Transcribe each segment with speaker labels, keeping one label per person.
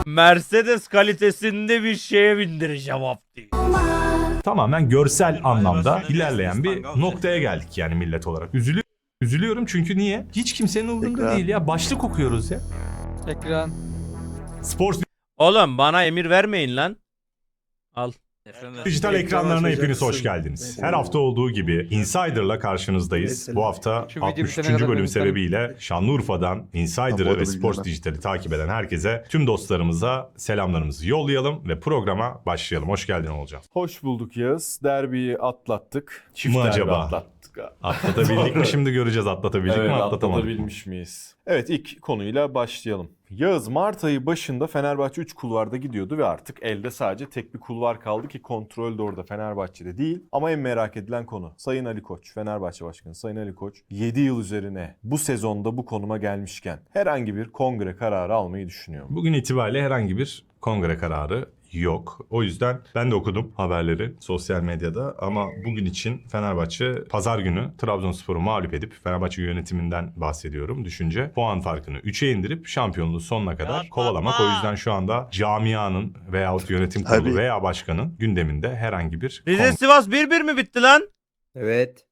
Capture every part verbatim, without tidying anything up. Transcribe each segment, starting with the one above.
Speaker 1: Mercedes kalitesinde bir şeye bindireceğim Abdi.
Speaker 2: Tamamen görsel anlamda ilerleyen bir noktaya geldik yani millet olarak. Üzülü Üzülüyorum çünkü niye? Hiç kimsenin umurunda
Speaker 3: Ekran.
Speaker 2: değil ya. Başlık okuyoruz ya.
Speaker 4: Ekran.
Speaker 2: Spor
Speaker 1: Oğlum bana emir vermeyin lan. Al.
Speaker 2: dijital ekranlarına hepiniz hoş geldiniz. Her hafta olduğu gibi Insider'la karşınızdayız. Bu hafta
Speaker 4: Şu video
Speaker 2: altmış
Speaker 4: bitene
Speaker 2: üçüncü
Speaker 4: kadar
Speaker 2: bölüm
Speaker 4: benim
Speaker 2: sebebiyle Şanlıurfa'dan Insider'ı
Speaker 3: Tam
Speaker 2: ve
Speaker 3: orada
Speaker 2: Sports
Speaker 3: bilgiler.
Speaker 2: Dijital'i takip eden herkese, tüm dostlarımıza selamlarımızı yollayalım ve programa başlayalım. Hoş geldin Olcan.
Speaker 5: Hoş bulduk Yağız. Derbiyi atlattık. Çift
Speaker 2: Mı
Speaker 5: derbi
Speaker 2: acaba?
Speaker 5: atlattık.
Speaker 2: Atlatabildik mi şimdi göreceğiz, atlatabildik
Speaker 5: Evet,
Speaker 2: mi atlatamadık mı?
Speaker 5: atlatabilmiş miyiz? Evet, ilk konuyla başlayalım. Yağız, Mart ayı başında Fenerbahçe üç kulvarda gidiyordu ve artık elde sadece tek bir kulvar kaldı ki kontrol de orada Fenerbahçe'de değil. Ama en merak edilen konu Sayın Ali Koç, Fenerbahçe Başkanı Sayın Ali Koç yedi yıl üzerine bu sezonda bu konuma gelmişken herhangi bir kongre kararı almayı düşünüyor mu?
Speaker 2: Bugün itibariyle herhangi bir kongre kararı yok. O yüzden ben de okudum haberleri sosyal medyada ama bugün için Fenerbahçe pazar günü Trabzonspor'u mağlup edip, Fenerbahçe yönetiminden bahsediyorum, düşünce puan farkını üçe indirip şampiyonluğu sonuna kadar
Speaker 6: Yapma.
Speaker 2: kovalamak. O yüzden şu anda camianın veyahut yönetim kurulu
Speaker 3: Tabii.
Speaker 2: veya başkanın gündeminde herhangi bir
Speaker 1: Rize
Speaker 2: kongre
Speaker 1: Sivas bir bir mi bitti lan?
Speaker 7: Evet.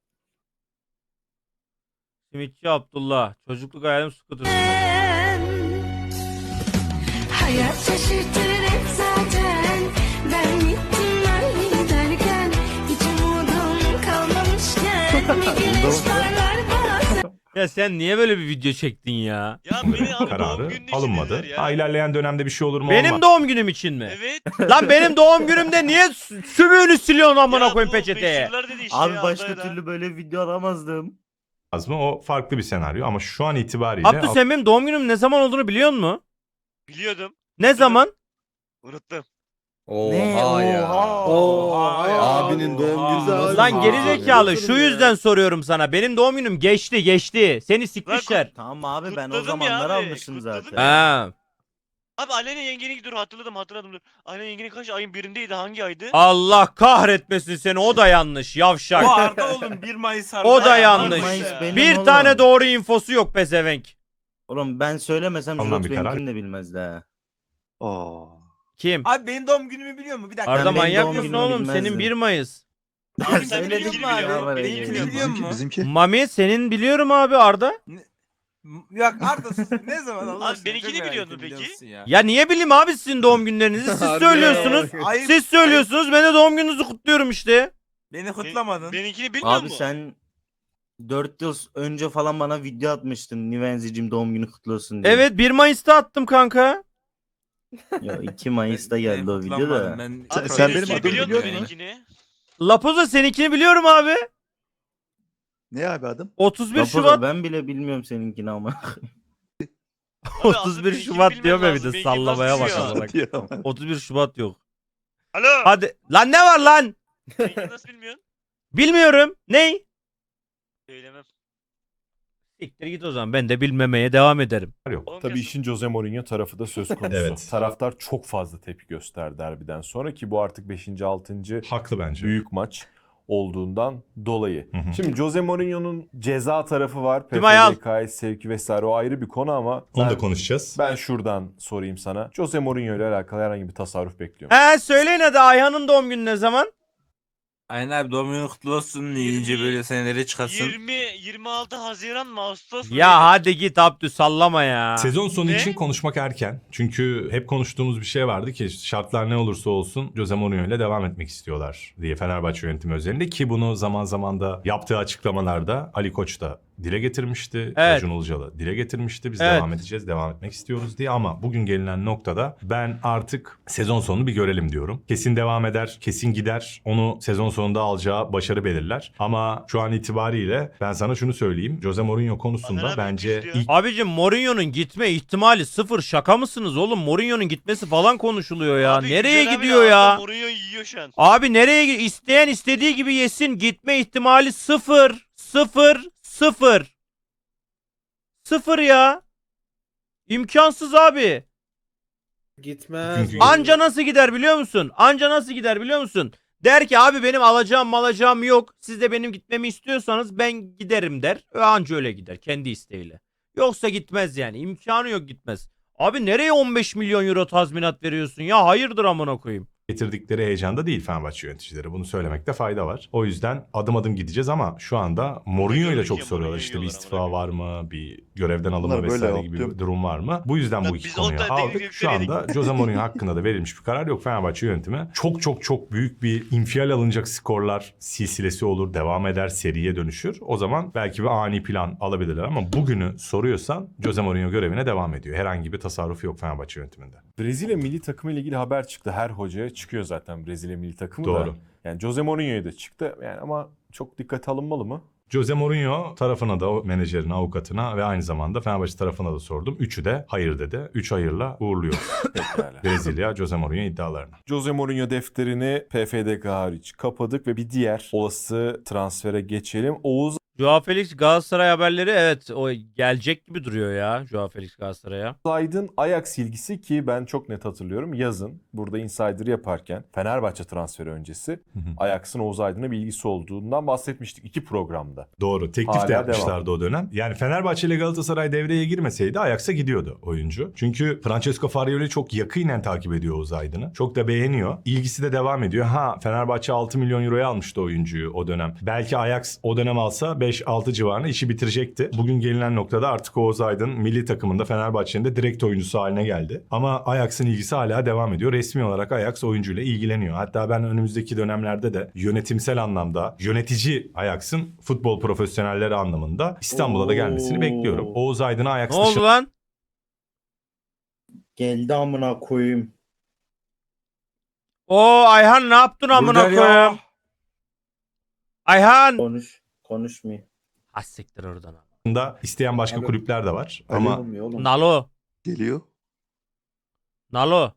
Speaker 1: Simitçi Abdullah. Çocukluk hayalim skuter sürmek.
Speaker 8: Hayat şaşırtır hep zaten. Ben gittim öyle derken hiç umudum kalmamışken bir güneş parlar bazen.
Speaker 1: Ya sen niye böyle bir video çektin ya?
Speaker 6: Ya beni abi doğum
Speaker 2: kararı
Speaker 6: günün için
Speaker 2: alınmadı.
Speaker 6: dediler ya.
Speaker 2: Ha, ilerleyen dönemde bir şey olur mu?
Speaker 1: Benim
Speaker 2: olmaz.
Speaker 1: doğum günüm için mi?
Speaker 6: Evet.
Speaker 1: Lan benim doğum günümde niye sü- sümüğünü siliyorsun amına
Speaker 6: Ya
Speaker 1: koyayım
Speaker 6: bu
Speaker 1: peçeteye?
Speaker 6: meşhurlar dedi işte
Speaker 7: Abi
Speaker 6: ya,
Speaker 7: başka
Speaker 6: Arda'yla.
Speaker 7: türlü böyle video alamazdım.
Speaker 2: mı? O farklı bir senaryo ama şu an itibariyle
Speaker 1: Abdü sen benim doğum günüm ne zaman olduğunu biliyor musun?
Speaker 6: Biliyordum.
Speaker 1: Ne zaman?
Speaker 6: Unuttum.
Speaker 7: Oha ya. Oha ya.
Speaker 3: Abinin doğum günü nasıl
Speaker 1: Lan
Speaker 3: bir-
Speaker 1: gerizekalı şu yüzden soruyorum sana. Benim doğum günüm geçti geçti. Seni sikmişler.
Speaker 7: Tamam abi ben o
Speaker 6: Kutladım ya
Speaker 7: zamanlar
Speaker 6: abi,
Speaker 7: almışım
Speaker 6: kutladım
Speaker 7: zaten.
Speaker 1: Ha.
Speaker 6: Abi Aleyna yengenin dur hatırladım hatırladım dur. Aleyna yengenin kaç ayın birindeydi, hangi aydı?
Speaker 1: Allah kahretmesin seni, o da yanlış yavşak.
Speaker 9: O Arda oğlum bir Mayıs Arda.
Speaker 1: O da
Speaker 6: Ay,
Speaker 1: yanlış.
Speaker 7: Mayıs benim
Speaker 1: Bir
Speaker 7: oğlum.
Speaker 1: tane doğru infosu yok pezevenk.
Speaker 7: Oğlum ben söylemesem
Speaker 2: Alınan
Speaker 7: Jurot
Speaker 2: bir karar.
Speaker 7: benimkini de bilmezdi ha.
Speaker 3: Aa.
Speaker 1: Kim?
Speaker 9: Abi benim doğum günümü biliyor mu? Bir dakika.
Speaker 1: Arda
Speaker 7: benim
Speaker 1: manyak
Speaker 7: doğum
Speaker 1: mısın
Speaker 7: günümü
Speaker 1: oğlum?
Speaker 7: bilmezdim.
Speaker 1: Senin bir Mayıs.
Speaker 6: Abi sen
Speaker 7: Söyledim
Speaker 6: benimkini
Speaker 9: abi,
Speaker 6: biliyorsun.
Speaker 7: benimkini
Speaker 6: Benimkini
Speaker 7: biliyorum.
Speaker 6: biliyor musun?
Speaker 9: Biliyor
Speaker 3: Bizimki,
Speaker 9: musun?
Speaker 3: bizimki.
Speaker 1: Mami senin biliyorum abi Arda.
Speaker 9: Yok Arda sus. Ne zaman Allah
Speaker 6: Abi
Speaker 9: aşkına,
Speaker 6: benimkini
Speaker 9: çok merak
Speaker 6: biliyor musun
Speaker 9: ettim,
Speaker 6: peki?
Speaker 9: biliyor musun ya?
Speaker 1: Ya niye bileyim abi sizin doğum günlerinizi? Siz söylüyorsunuz.
Speaker 9: Ayıp,
Speaker 1: Siz söylüyorsunuz. Ben de doğum gününüzü kutluyorum işte.
Speaker 9: Beni kutlamadın.
Speaker 6: Benimkini bilmiyor
Speaker 7: Abi
Speaker 6: musun?
Speaker 7: sen dört yıl önce falan bana video atmıştın. Nivenzicim doğum günü kutlu olsun diye.
Speaker 1: Evet bir Mayıs'ta attım kanka.
Speaker 7: Ya iki Mayıs'ta
Speaker 9: Beni
Speaker 7: geldi o video
Speaker 9: kutlamadın,
Speaker 7: da.
Speaker 9: ben-
Speaker 3: Sen-
Speaker 6: Abi
Speaker 3: sen
Speaker 6: benimkini
Speaker 3: benim adımı
Speaker 6: biliyor musun
Speaker 3: biliyor musun?
Speaker 6: benimkini?
Speaker 1: Lapoza seninkini biliyorum abi.
Speaker 3: Ne abi adım?
Speaker 1: otuz bir
Speaker 7: Rapoza,
Speaker 1: Şubat.
Speaker 7: ben bile bilmiyorum seninkini ama.
Speaker 6: Abi
Speaker 1: otuz
Speaker 6: aslında
Speaker 1: bir
Speaker 6: benimkini
Speaker 1: Şubat
Speaker 6: bilmen
Speaker 1: diyor be bir
Speaker 6: lazım,
Speaker 1: de
Speaker 6: benimkini
Speaker 1: sallamaya
Speaker 6: nasıl
Speaker 1: bak
Speaker 6: biliyor?
Speaker 1: amına.
Speaker 3: Diyor.
Speaker 1: otuz bir Şubat yok.
Speaker 6: Alo.
Speaker 1: Hadi. Lan ne var lan?
Speaker 6: Benimkini nasıl bilmiyorsun?
Speaker 1: Bilmiyorum. Ney?
Speaker 6: Söylemem.
Speaker 1: Siktir git o zaman. Ben de bilmemeye devam ederim.
Speaker 2: yok.
Speaker 6: On
Speaker 5: Tabii
Speaker 6: Kasım.
Speaker 5: işin Jose Mourinho tarafı da söz konusu.
Speaker 2: Evet.
Speaker 5: Taraftar çok fazla tepki gösterdi derbiden sonra ki bu artık beşinci altıncı
Speaker 2: Haklı bence.
Speaker 5: büyük maç olduğundan dolayı.
Speaker 2: Hı hı.
Speaker 5: Şimdi Jose Mourinho'nun ceza tarafı var.
Speaker 1: Tüm ayal.
Speaker 5: P F D K'ya sevki vesaire, o ayrı bir konu ama
Speaker 2: Onu
Speaker 5: ben,
Speaker 2: da konuşacağız.
Speaker 5: ben şuradan sorayım sana. Jose Mourinho ile alakalı herhangi bir tasarruf bekliyor musun?
Speaker 1: He söyleyin hadi, Ayhan'ın doğum günü ne zaman?
Speaker 9: Aynen abi doğum günün kutlu olsun. İyice böyle senelere çıkarsın.
Speaker 6: yirmi yirmi altı Haziran mı Ağustos mu?
Speaker 1: Ya hadi git Abdü sallama ya.
Speaker 2: Sezon sonu
Speaker 6: Ne?
Speaker 2: için konuşmak erken. Çünkü hep konuştuğumuz bir şey vardı ki şartlar ne olursa olsun Jose Mourinho ile devam etmek istiyorlar diye, Fenerbahçe yönetimi özelinde, ki bunu zaman zaman da yaptığı açıklamalarda Ali Koç da dile getirmişti.
Speaker 1: Evet.
Speaker 2: Acun Ilıcalı dile getirmişti. Biz
Speaker 1: Evet.
Speaker 2: devam edeceğiz, devam etmek istiyoruz diye, ama bugün gelinen noktada ben artık sezon sonunu bir görelim diyorum. Kesin devam eder, kesin gider. Onu sezon sonunda alacağı başarı belirler. Ama şu an itibariyle ben sana şunu söyleyeyim. Jose Mourinho konusunda
Speaker 6: Hasan abi
Speaker 2: bence
Speaker 6: istiyor.
Speaker 2: ilk
Speaker 1: Abicim Mourinho'nun gitme ihtimali sıfır, şaka mısınız oğlum? Mourinho'nun gitmesi falan konuşuluyor ya.
Speaker 6: Abi
Speaker 1: Nereye
Speaker 6: Güzel abi
Speaker 1: gidiyor
Speaker 6: de
Speaker 1: ya?
Speaker 6: Arda Mourinho yiyor şu an.
Speaker 1: Abi nereye gidiyor? İsteyen istediği gibi yesin. Gitme ihtimali sıfır. Sıfır. Sıfır. Sıfır ya. İmkansız abi.
Speaker 7: Gitmez.
Speaker 2: Çünkü-
Speaker 1: Anca nasıl gider biliyor musun? Anca nasıl gider biliyor musun? Der ki abi benim alacağım malacağım yok. Siz de benim gitmemi istiyorsanız ben giderim der. Ve anca öyle gider kendi isteğiyle. Yoksa gitmez yani. İmkanı yok, gitmez. Abi nereye on beş milyon euro tazminat veriyorsun ya? Hayırdır amına koyayım.
Speaker 2: getirdikleri heyecanda değil Fenerbahçe yöneticileri. Bunu söylemekte fayda var. O yüzden adım adım gideceğiz ama şu anda Mourinho ile çok
Speaker 6: Mourinho
Speaker 2: soruyorlar. İşte bir
Speaker 6: yiyorlar
Speaker 2: istifa
Speaker 6: amına
Speaker 2: var mı? Bir görevden alınma
Speaker 3: Bunlar böyle
Speaker 2: vesaire gibi
Speaker 3: optim.
Speaker 2: bir durum var mı? Bu yüzden
Speaker 6: Lan
Speaker 2: bu iki
Speaker 6: biz on
Speaker 2: konuyu
Speaker 6: tane
Speaker 2: aldık.
Speaker 6: teknik
Speaker 2: Şu
Speaker 6: direktör
Speaker 2: anda Jose Mourinho hakkında da verilmiş bir karar yok. Fenerbahçe yönetimi çok çok çok büyük bir infial alınacak skorlar silsilesi olur. Devam eder. Seriye dönüşür. O zaman belki bir ani plan alabilirler ama bugünü soruyorsan Jose Mourinho görevine devam ediyor. Herhangi bir tasarrufu yok Fenerbahçe yönetiminde.
Speaker 5: Brezilya milli takımı ile ilgili haber çıktı. Her hocaya çıkıyor zaten Brezilya milli takımı da.
Speaker 2: Doğru.
Speaker 5: Yani Jose Mourinho'ya da çıktı. Yani ama çok dikkate alınmalı mı?
Speaker 2: Jose Mourinho tarafına da o menajerine, avukatına ve aynı zamanda Fenerbahçe tarafına da sordum. Üçü de hayır dedi. Üç hayırla uğurluyoruz
Speaker 5: Pekala.
Speaker 2: Brezilya Jose Mourinho iddialarını.
Speaker 5: Jose Mourinho defterini P F D K hariç kapadık ve bir diğer olası transfere geçelim. Oğuz
Speaker 1: Joao Felix Galatasaray haberleri, evet o gelecek gibi duruyor ya Joao Felix Galatasaray'a.
Speaker 5: Aydın Ajax ilgisi, ki ben çok net hatırlıyorum. Yazın burada Insider yaparken Fenerbahçe transferi öncesi
Speaker 2: Hı hı.
Speaker 5: Ajax'ın Oğuz Aydın'a bir ilgisi olduğundan bahsetmiştik iki programda.
Speaker 2: Doğru. Teklif
Speaker 5: Hala
Speaker 2: de yapmışlardı o dönem. Yani Fenerbahçe ile Galatasaray devreye girmeseydi Ajax'a gidiyordu oyuncu. Çünkü Francesco Farioli çok yakinen takip ediyor Oğuz Aydın'ı. Çok da beğeniyor. İlgisi de devam ediyor. Ha, Fenerbahçe altı milyon euroya almıştı oyuncuyu o dönem. Belki Ajax o dönem alsa beş altı civarında işi bitirecekti. Bugün gelinen noktada artık Oğuz Aydın milli takımında Fenerbahçe'nin de direkt oyuncusu haline geldi. Ama Ajax'ın ilgisi hala devam ediyor. Resmi olarak Ajax oyuncuyla ilgileniyor. Hatta ben önümüzdeki dönemlerde de yönetimsel anlamda yönetici Ajax'ın futbol profesyonelleri anlamında İstanbul'a da gelmesini
Speaker 7: Oo.
Speaker 2: bekliyorum. Oğuz Aydın'a Ajax
Speaker 1: Ne oldu
Speaker 2: dışı
Speaker 1: lan?
Speaker 7: Geldi amına koyayım.
Speaker 1: O Ayhan ne yaptın amına
Speaker 9: Bulgarya.
Speaker 1: koyayım? Ayhan.
Speaker 7: Konuş. Konuşmayayım.
Speaker 1: Ha siktir oradan.
Speaker 2: da isteyen başka
Speaker 3: Alo.
Speaker 2: kulüpler de var.
Speaker 3: Alo
Speaker 2: Ama
Speaker 3: olmuyor oğlum.
Speaker 1: Nalo.
Speaker 3: Geliyor.
Speaker 1: Nalo.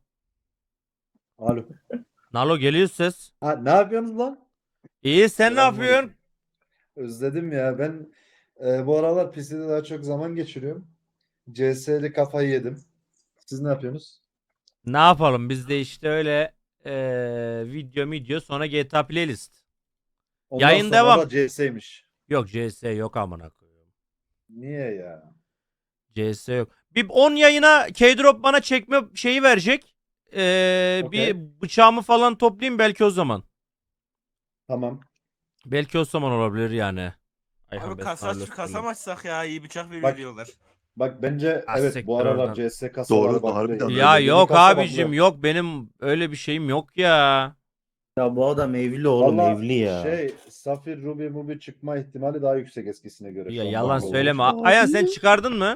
Speaker 4: Alo.
Speaker 1: Nalo geliyor ses.
Speaker 4: Ha, ne yapıyorsunuz lan?
Speaker 1: İyi, sen ne
Speaker 4: Selamünaleyküm.
Speaker 1: yapıyorsun?
Speaker 4: Özledim ya. Ben e, bu aralar P C'de daha çok zaman geçiriyorum. C S'li kafayı yedim. Siz ne yapıyorsunuz?
Speaker 1: Ne yapalım biz de işte öyle eee, video video sonra G T A playlist.
Speaker 4: Ondan
Speaker 1: Yayın
Speaker 4: sonra
Speaker 1: devam.
Speaker 4: da C S'ymiş.
Speaker 1: Yok C S yok amına koyuyorum.
Speaker 4: Niye ya?
Speaker 1: C S yok. Bir on yayına K-Drop bana çekme şeyi verecek. Eee,
Speaker 4: Okey.
Speaker 1: Bir bıçağımı falan toplayayım belki o zaman.
Speaker 4: Tamam.
Speaker 1: Belki o zaman olabilir yani. Ayhan
Speaker 9: Abi
Speaker 1: Bey,
Speaker 9: kasa,
Speaker 1: Carlos
Speaker 9: kasa
Speaker 1: Bey.
Speaker 9: mı açsak ya, iyi bıçak veriyor
Speaker 4: Bak-
Speaker 9: diyorlar.
Speaker 4: Bak bence
Speaker 1: Ah,
Speaker 4: evet
Speaker 1: siktir
Speaker 4: bu aralar
Speaker 1: oradan.
Speaker 4: C S kasaları
Speaker 3: Doğru,
Speaker 4: bakıyor.
Speaker 3: harbiden öyle.
Speaker 1: Ya
Speaker 4: Yeni
Speaker 1: yok
Speaker 4: kasa
Speaker 1: abicim
Speaker 4: bakıyor.
Speaker 1: yok, benim öyle bir şeyim yok ya.
Speaker 7: Ya bu adam evli oğlum,
Speaker 4: Valla
Speaker 7: evli ya.
Speaker 4: şey Safir, Ruby, Mubi çıkma ihtimali daha yüksek eskisine göre.
Speaker 1: Ya
Speaker 4: şu an
Speaker 1: yalan
Speaker 4: bakma
Speaker 1: söyleme.
Speaker 4: olmuş.
Speaker 1: Ayhan sen çıkardın mı?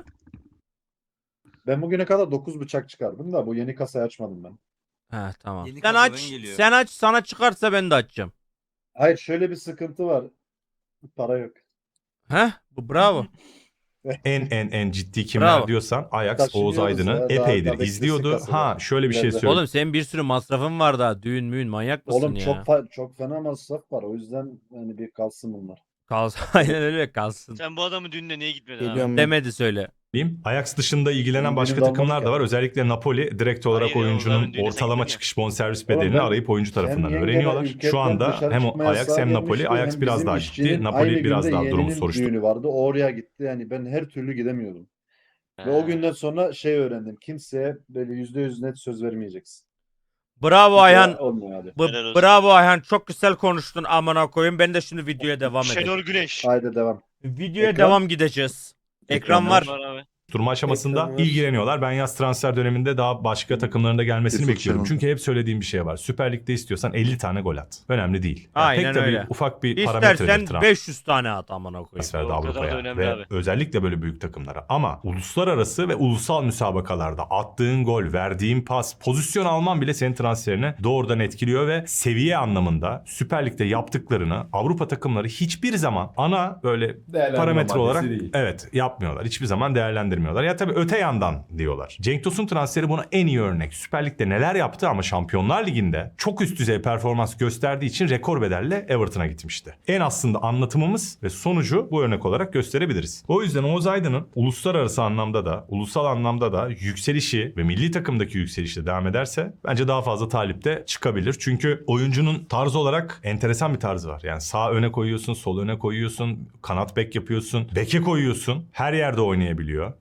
Speaker 4: Ben bugüne kadar dokuz bıçak çıkardım da bu yeni kasayı açmadım ben.
Speaker 1: He tamam.
Speaker 9: Yeni
Speaker 1: Sen
Speaker 9: kasadan
Speaker 1: aç.
Speaker 9: geliyor.
Speaker 1: Sen aç, sana çıkarsa ben de açacağım.
Speaker 4: Hayır, şöyle bir sıkıntı var. Para yok.
Speaker 1: Heh, bu bravo.
Speaker 2: en en en ciddi kimler
Speaker 1: Bravo.
Speaker 2: diyorsan Ajax
Speaker 4: Taşınıyoruz
Speaker 2: Oğuz Aydın'ı
Speaker 4: ya, daha-
Speaker 2: epeydir
Speaker 4: daha
Speaker 2: izliyordu.
Speaker 4: beklesin
Speaker 2: Ha
Speaker 4: kasada.
Speaker 2: şöyle bir şey
Speaker 4: İleride.
Speaker 2: söyleyeyim.
Speaker 1: Oğlum senin bir sürü masrafın var daha. Düğün müğün manyak mısın
Speaker 4: Oğlum
Speaker 1: ya?
Speaker 4: çok fa- çok fena masraf var. O yüzden hani bir kalsın bunlar.
Speaker 1: Kalsın. Aynen öyle kalsın.
Speaker 6: Sen bu adamın düğününe niye gitmedin abi?
Speaker 7: Geliyorum ben.
Speaker 1: Demedi söyle.
Speaker 2: diyeyim. Ajax dışında ilgilenen
Speaker 4: Benim
Speaker 2: başka
Speaker 4: düğünüm
Speaker 2: takımlar da
Speaker 4: olmadı
Speaker 2: var.
Speaker 4: ki.
Speaker 2: Özellikle Napoli direkt olarak
Speaker 6: Hayır ya,
Speaker 2: oyuncunun
Speaker 6: onların düğünü sen
Speaker 2: ortalama
Speaker 6: gittin ya.
Speaker 2: çıkış bonservis
Speaker 4: Oğlum
Speaker 2: bedelini
Speaker 4: ben-
Speaker 2: arayıp oyuncu tarafından
Speaker 4: Hem
Speaker 2: öğreniyorlar.
Speaker 4: yengeler
Speaker 2: Şu
Speaker 4: ülkeden
Speaker 2: anda
Speaker 4: dışarı
Speaker 2: hem
Speaker 4: çıkma
Speaker 2: Ajax
Speaker 4: yasağı
Speaker 2: hem Napoli.
Speaker 4: gelmişti,
Speaker 2: Ajax
Speaker 4: hem
Speaker 2: biraz
Speaker 4: bizim
Speaker 2: daha
Speaker 4: işçinin
Speaker 2: ciddi. Napoli
Speaker 4: aynı
Speaker 2: biraz
Speaker 4: günde
Speaker 2: daha durumu
Speaker 4: yeğeninin
Speaker 2: soruşturma.
Speaker 4: düğünü vardı. O oraya gitti. Yani ben her türlü gidemiyordum. Ve o günden sonra şey öğrendim. Kimseye böyle yüzde yüz net söz vermeyeceksin.
Speaker 1: Bravo Ayhan.
Speaker 4: Olmuyor hadi.
Speaker 1: Bu-
Speaker 6: Helal olsun.
Speaker 1: bravo Ayhan. Çok güzel konuştun amına koyayım. Ben de şimdi videoya devam edeyim.
Speaker 6: Şenol Güneş.
Speaker 4: Haydi devam.
Speaker 1: Videoya
Speaker 4: Ekran.
Speaker 1: devam gideceğiz. Ekran
Speaker 4: Ekran
Speaker 1: var.
Speaker 6: Var abi.
Speaker 2: Durma aşamasında
Speaker 4: Ekran var.
Speaker 2: ilgileniyorlar. Ben yaz transfer döneminde daha başka takımların da gelmesini
Speaker 3: Yusuf
Speaker 2: bekliyorum.
Speaker 3: Şenol.
Speaker 2: Çünkü hep söylediğim bir şey var. Süper Lig'de istiyorsan elli tane gol at. Önemli değil. Yani
Speaker 1: Aynen
Speaker 2: pek de bir
Speaker 1: öyle.
Speaker 2: ufak bir parametredir
Speaker 1: İstersen
Speaker 2: transfer.
Speaker 1: beş yüz tane at amına koyayım.
Speaker 2: transferde
Speaker 6: O kadar da
Speaker 2: Avrupa'ya
Speaker 6: önemli
Speaker 2: ve
Speaker 6: abi.
Speaker 2: özellikle böyle büyük takımlara. Ama uluslararası ve ulusal müsabakalarda attığın gol, verdiğin pas, pozisyon alman bile senin transferini doğrudan etkiliyor ve seviye anlamında Süper Lig'de yaptıklarını Avrupa takımları hiçbir zaman ana böyle parametre olarak
Speaker 5: değil.
Speaker 2: evet yapmıyorlar. Hiçbir zaman değerlendirmiyorlar. Ya tabii öte yandan diyorlar. Cenk Tosun transferi buna en iyi örnek. Süper Lig'de neler yaptı ama Şampiyonlar Ligi'nde çok üst düzey performans gösterdiği için rekor bedelle Everton'a gitmişti. En aslında anlatımımız ve sonucu bu örnek olarak gösterebiliriz. O yüzden Oğuz Aydın'ın uluslararası anlamda da, ulusal anlamda da yükselişi ve milli takımdaki yükselişi de devam ederse bence daha fazla talip de çıkabilir. Çünkü oyuncunun tarzı olarak enteresan bir tarzı var. Yani sağ öne koyuyorsun, sol öne koyuyorsun, kanat bek yapıyorsun, beke koyuyorsun. Her yerde oynayabiliyor.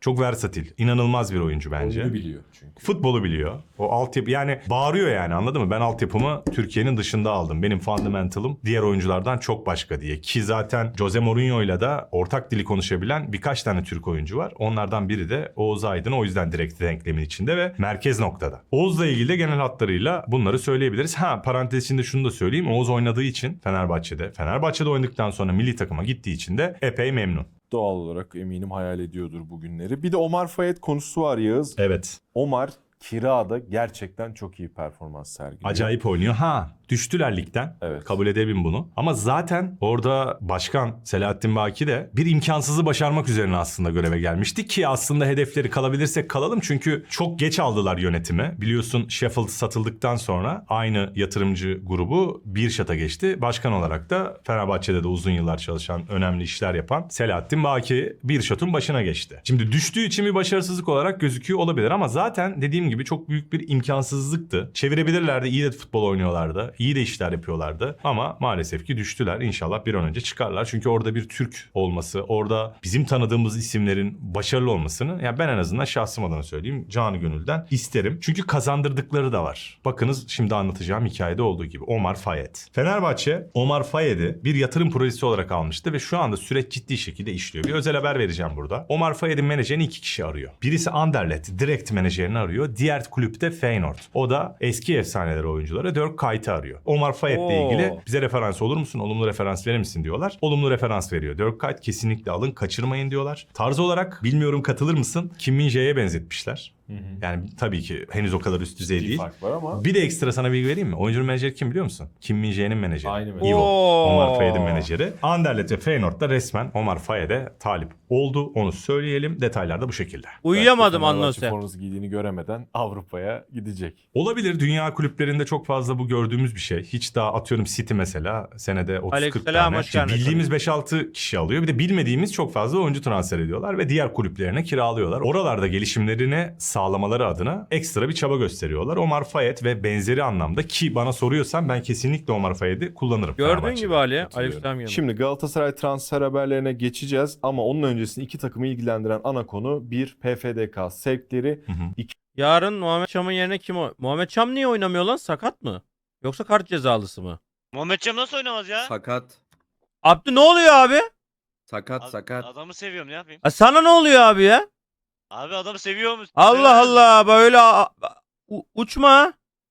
Speaker 2: Çok versatil. İnanılmaz bir oyuncu bence.
Speaker 5: Oyunu biliyor çünkü.
Speaker 2: Futbolu biliyor. O altyapı yani bağırıyor yani, anladın mı? Ben altyapımı Türkiye'nin dışında aldım. Benim fundamental'ım diğer oyunculardan çok başka diye. Ki zaten Jose Mourinho'yla da ortak dili konuşabilen birkaç tane Türk oyuncu var. Onlardan biri de Oğuz Aydın. O yüzden direkt denklemin içinde ve merkez noktada. Oğuz'la ilgili de genel hatlarıyla bunları söyleyebiliriz. Ha, parantez içinde şunu da söyleyeyim. Oğuz oynadığı için Fenerbahçe'de, Fenerbahçe'de oynadıktan sonra milli takıma gittiği için de epey memnun.
Speaker 5: Doğal olarak eminim hayal ediyordur bu günleri. Bir de Omar Fayet konusu var Yağız.
Speaker 2: Evet.
Speaker 5: Omar kirada gerçekten çok iyi performans sergiliyor.
Speaker 2: Acayip oynuyor. Ha, düştüler ligden.
Speaker 5: Evet.
Speaker 2: Kabul edebilirim bunu. Ama zaten orada başkan Selahattin Baki de bir imkansızı başarmak üzerine aslında göreve gelmişti ki aslında hedefleri kalabilirsek kalalım. Çünkü çok geç aldılar yönetimi. Biliyorsun Sheffield satıldıktan sonra aynı yatırımcı grubu Birşat'a geçti. Başkan olarak da Fenerbahçe'de de uzun yıllar çalışan, önemli işler yapan Selahattin Baki Birşat'ın başına geçti. Şimdi düştüğü için bir başarısızlık olarak gözüküyor olabilir ama zaten dediğim gibi çok büyük bir imkansızlıktı. Çevirebilirlerdi, iyi de futbol oynuyorlardı. İyi de işler yapıyorlardı ama maalesef ki düştüler. İnşallah bir an önce çıkarlar. Çünkü orada bir Türk olması, orada bizim tanıdığımız isimlerin başarılı olmasını, yani ben en azından şahsım adına söyleyeyim, canı gönülden isterim. Çünkü kazandırdıkları da var. Bakınız şimdi anlatacağım hikayede olduğu gibi. Omar Fayet. Fenerbahçe Omar Fayet'i bir yatırım projesi olarak almıştı ve şu anda süreç ciddi şekilde işliyor. Bir özel haber vereceğim burada. Omar Fayet'in menajerini iki kişi arıyor. Birisi Anderlecht direkt menajerini arıyor. Diğer kulüpte Feyenoord. O da eski efsaneleri oyuncuları Dirk Kuyt'ı arıyor. Omar Fayet'le
Speaker 1: Oo.
Speaker 2: ilgili bize referans olur musun? Olumlu referans verir misin diyorlar. Olumlu referans veriyor. Dirk Kuyt kesinlikle alın, kaçırmayın diyorlar. Tarz olarak bilmiyorum katılır mısın? Kim Min-jae'ye benzetmişler.
Speaker 5: Hı hı.
Speaker 2: Yani tabii ki henüz o kadar üst düzey
Speaker 5: Ciddi
Speaker 2: değil.
Speaker 5: fark var ama.
Speaker 2: Bir de ekstra sana bilgi vereyim mi? Oyuncunun menajeri kim biliyor musun? Kim Min-jae'nin menajeri.
Speaker 5: Aynı menajeri.
Speaker 2: Ivo.
Speaker 1: Oo.
Speaker 2: Omar Fayet'in menajeri. Anderlecht ve Feyenoord'da resmen Omar Fayet'e talip oldu. Onu söyleyelim. Detaylar da bu şekilde.
Speaker 1: Uyuyamadım
Speaker 5: Belki Fenerbahçe
Speaker 1: Anlose.
Speaker 5: forması giydiğini göremeden Avrupa'ya gidecek.
Speaker 2: Olabilir. Dünya kulüplerinde çok fazla bu gördüğümüz bir şey. Hiç daha atıyorum City mesela senede otuz kırk
Speaker 1: Aleykümselam,
Speaker 2: tane.
Speaker 1: hoş
Speaker 2: Şimdi
Speaker 1: geldin.
Speaker 2: bildiğimiz beş altı kişi alıyor. Bir de bilmediğimiz çok fazla oyuncu transfer ediyorlar ve diğer kulüplerine kiralıyorlar. Oralarda gelişimlerini sağlamaları adına ekstra bir çaba gösteriyorlar. Omar Fayet ve benzeri anlamda, ki bana soruyorsan ben kesinlikle Omar Fayet'i kullanırım.
Speaker 1: Gördüğün
Speaker 2: Fenerbahçe'de.
Speaker 1: gibi Ali.
Speaker 5: Katılıyorum.
Speaker 1: Aleykümselam yanım.
Speaker 5: Şimdi Galatasaray transfer haberlerine geçeceğiz ama onun öncesinde iki takımı ilgilendiren ana konu bir P F D K sevkleri.
Speaker 2: Hı hı.
Speaker 1: Yarın Muhammed Çam'ın yerine kim o? Muhammed Çam niye oynamıyor lan? Sakat mı? Yoksa kart cezalısı mı?
Speaker 6: Muhammed Cem nasıl oynamaz ya?
Speaker 9: Sakat.
Speaker 1: Abdü ne oluyor abi?
Speaker 9: Sakat
Speaker 6: Ad-
Speaker 9: sakat.
Speaker 6: Adamı seviyorum, ne yapayım?
Speaker 1: Ha, sana ne oluyor abi ya?
Speaker 6: Abi adamı seviyor musun?
Speaker 1: Allah Allah, böyle a- a- u- uçma.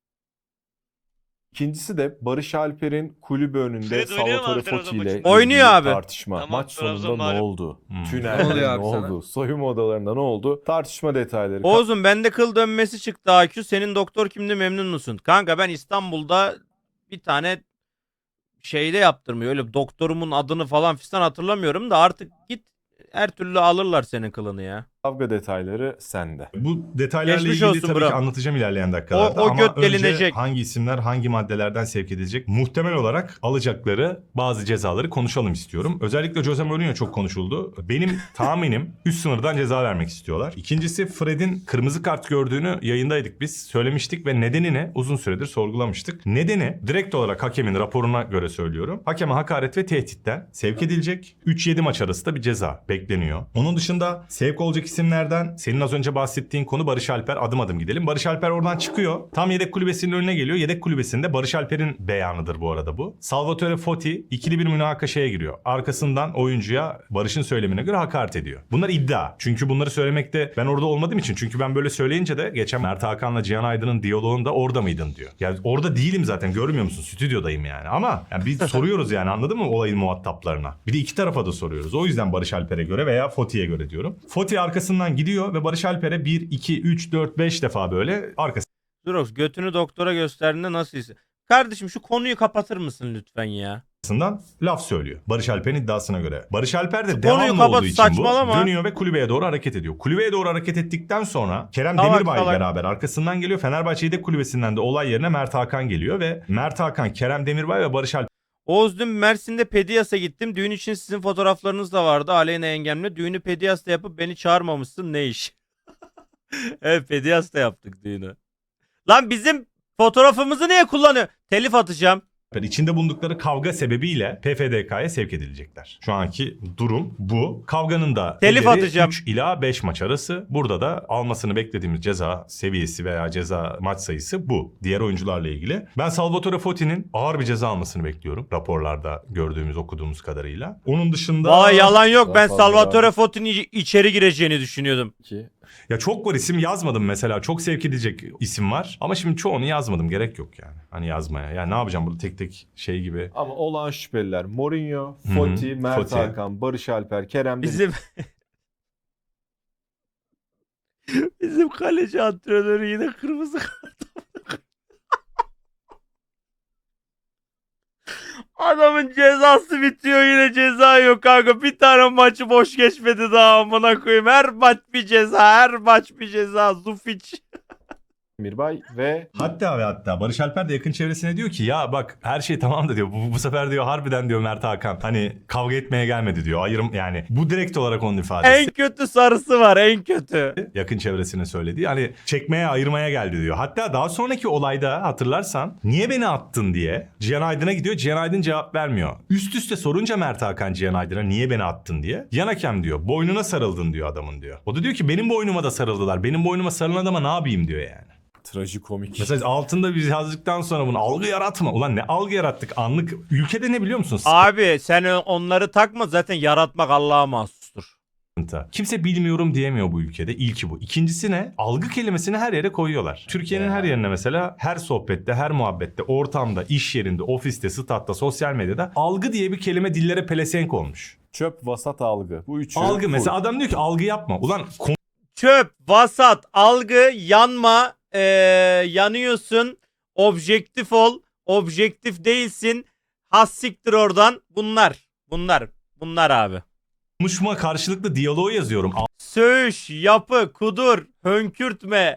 Speaker 5: İkincisi de Barış Alper'in kulübü önünde
Speaker 6: Fred oynuyor mu
Speaker 5: Salvatore
Speaker 6: abi Trabzon
Speaker 5: Foti ile
Speaker 6: maçında?
Speaker 1: Oynuyor
Speaker 5: ilgili
Speaker 1: abi.
Speaker 5: tartışma.
Speaker 6: Tamam,
Speaker 5: Maç
Speaker 6: Trabzon
Speaker 5: sonunda ne
Speaker 6: mağlup.
Speaker 5: oldu?
Speaker 2: Hmm.
Speaker 5: Tünelde
Speaker 9: Ne oluyor
Speaker 5: ne
Speaker 9: abi sana?
Speaker 5: oldu? Soyunma odalarında ne oldu? Tartışma detayları.
Speaker 1: Oğuz'um bende kıl dönmesi çıktı A Q. Senin doktor kimdi, memnun musun? Kanka ben İstanbul'da bir tane şeyde yaptırmıyor. Öyle doktorumun adını falan fistan hatırlamıyorum da artık git, her türlü alırlar senin kılını ya.
Speaker 5: Kavga detayları sende.
Speaker 2: Bu detaylarla
Speaker 1: Geçmiş
Speaker 2: ilgili
Speaker 1: olsun
Speaker 2: tabii
Speaker 1: bro.
Speaker 2: ki anlatacağım ilerleyen dakikalarda.
Speaker 1: O- o
Speaker 2: Ama
Speaker 1: göt
Speaker 2: önce
Speaker 1: delinecek.
Speaker 2: hangi isimler hangi maddelerden sevk edilecek, muhtemel olarak alacakları bazı cezaları konuşalım istiyorum. Özellikle Jose Mourinho çok konuşuldu. Benim tahminim üst sınırdan ceza vermek istiyorlar. İkincisi, Fred'in kırmızı kart gördüğünü yayındaydık biz. Söylemiştik ve nedenini uzun süredir sorgulamıştık. Nedeni direkt olarak hakemin raporuna göre söylüyorum. Hakeme hakaret ve tehditten sevk edilecek. üç yedi maç arası da bir ceza bekleniyor. Onun dışında sevk olacak isimlerden senin az önce bahsettiğin konu Barış Alper. Adım adım gidelim. Barış Alper oradan çıkıyor. Tam yedek kulübesinin önüne geliyor. Yedek kulübesinde Barış Alper'in beyanıdır bu arada bu. Salvatore Foti ikili bir münakaşaya giriyor. Arkasından oyuncuya Barış'ın söylemine göre hakaret ediyor. Bunlar iddia. Çünkü bunları söylemekte ben orada olmadığım için. Çünkü ben böyle söyleyince de geçen Mert Hakan'la Cihan Aydın'ın diyaloğunda orada mıydın diyor. Yani orada değilim zaten, görmüyor musun? Stüdyodayım yani. Ama yani biz soruyoruz yani, anladın mı, olayın muhataplarına. Bir de iki tarafa da soruyoruz. O yüzden Barış Alper'e göre veya Foti'ye göre diyorum. Foti arkasından gidiyor ve Barış Alper'e bir, iki, üç, dört, beş defa böyle
Speaker 1: Durox götünü doktora gösterdiğinde nasıl hissediyor? Kardeşim şu konuyu kapatır mısın lütfen ya?
Speaker 2: arkasından laf söylüyor. Barış Alper'in iddiasına göre. Barış Alper de
Speaker 1: Konuyu
Speaker 2: devamlı
Speaker 1: kapat,
Speaker 2: olduğu için
Speaker 1: saçmalama.
Speaker 2: bu dönüyor ve kulübeye doğru hareket ediyor. Kulübeye doğru hareket ettikten sonra Kerem
Speaker 1: Salak,
Speaker 2: Demirbay
Speaker 1: salak.
Speaker 2: beraber arkasından geliyor. Fenerbahçe yedek kulübesinden de olay yerine Mert Hakan geliyor ve Mert Hakan, Kerem Demirbay ve Barış Alper
Speaker 1: Oğuz, dün Mersin'de Pedias'a gittim. Düğün için sizin fotoğraflarınız da vardı. Aleyna yengemle. Düğünü Pedias'ta yapıp beni çağırmamışsın. Ne iş? Evet, Pedias'ta yaptık düğünü. Lan bizim fotoğrafımızı niye kullanıyor? Telif atacağım.
Speaker 2: İçinde bulundukları kavga sebebiyle P F D K'ya sevk edilecekler. Şu anki durum bu. Kavganın da
Speaker 1: Telif
Speaker 2: ederi
Speaker 1: atacağım.
Speaker 2: üç ila beş maç arası. Burada da almasını beklediğimiz ceza seviyesi veya ceza maç sayısı bu. Diğer oyuncularla ilgili. Ben Salvatore Fotti'nin ağır bir ceza almasını bekliyorum. Raporlarda gördüğümüz, okuduğumuz kadarıyla. Onun dışında...
Speaker 1: Vay yalan yok.
Speaker 5: Daha
Speaker 1: Ben
Speaker 5: fazla
Speaker 1: Salvatore
Speaker 5: var.
Speaker 1: Fotti'nin iç- içeri gireceğini düşünüyordum.
Speaker 5: Ki
Speaker 2: Ya çok var, isim yazmadım mesela. Çok sevk edecek isim var. Ama şimdi çoğunu yazmadım. Gerek yok yani. Hani yazmaya. Yani ne yapacağım burada tek tek şey gibi.
Speaker 5: ama olağan şüpheliler Mourinho,
Speaker 2: Hı hı,
Speaker 5: Foti, Mert
Speaker 2: Foti.
Speaker 5: Hakan, Barış Alper, Kerem Deniz.
Speaker 1: Bizim Bizim kaleci antrenörü yine kırmızı kart. Adamın cezası bitiyor, yine ceza yok kanka. Bir tane maçı boş geçmedi daha, amına koyayım. Her maç bir ceza, her maç bir ceza. Zufic.
Speaker 5: Mirbay ve
Speaker 2: Hatta ve hatta Barış Alper de yakın çevresine diyor ki ya bak her şey tamam da diyor. Bu, bu sefer diyor harbiden diyor Mert Hakan hani kavga etmeye gelmedi diyor. Ayırım yani bu direkt olarak onun ifadesi.
Speaker 1: En kötü sarısı var, en kötü.
Speaker 2: Yakın çevresine söylediği hani çekmeye ayırmaya geldi diyor. Hatta daha sonraki olayda hatırlarsan niye beni attın diye Cihan Aydın'a gidiyor. Cihan Aydın cevap vermiyor. Üst üste sorunca Mert Hakan Cihan Aydın'a niye beni attın diye. Yan hakem diyor boynuna sarıldın diyor adamın diyor. O da diyor ki benim boynuma da sarıldılar. Benim boynuma sarılan adama ne yapayım diyor yani.
Speaker 5: trajikomik.
Speaker 2: Mesela altında biz yazdıktan sonra bunu algı yaratma. Ulan ne algı yarattık anlık. Ülkede ne biliyor musun?
Speaker 1: Abi sen onları takma, zaten yaratmak Allah'a mahsustur.
Speaker 2: Sıkıntı. Kimse bilmiyorum diyemiyor bu ülkede. İlki bu. İkincisi ne? Algı kelimesini her yere koyuyorlar. Türkiye'nin her yerine mesela her sohbette, her muhabbette, ortamda, iş yerinde, ofiste, statta, sosyal medyada algı diye bir kelime dillere pelesenk olmuş.
Speaker 5: Çöp, vasat, algı. Bu üçü.
Speaker 2: Algı
Speaker 5: full.
Speaker 2: mesela adam diyor ki algı yapma. Ulan
Speaker 1: Çöp, vasat, algı, yanma, eee, yanıyorsun, objektif ol, objektif değilsin, has siktir oradan. Bunlar, bunlar, bunlar abi.
Speaker 2: konuşma karşılıklı diyaloğu yazıyorum.
Speaker 1: Söğüş, yapı, kudur, hönkürtme.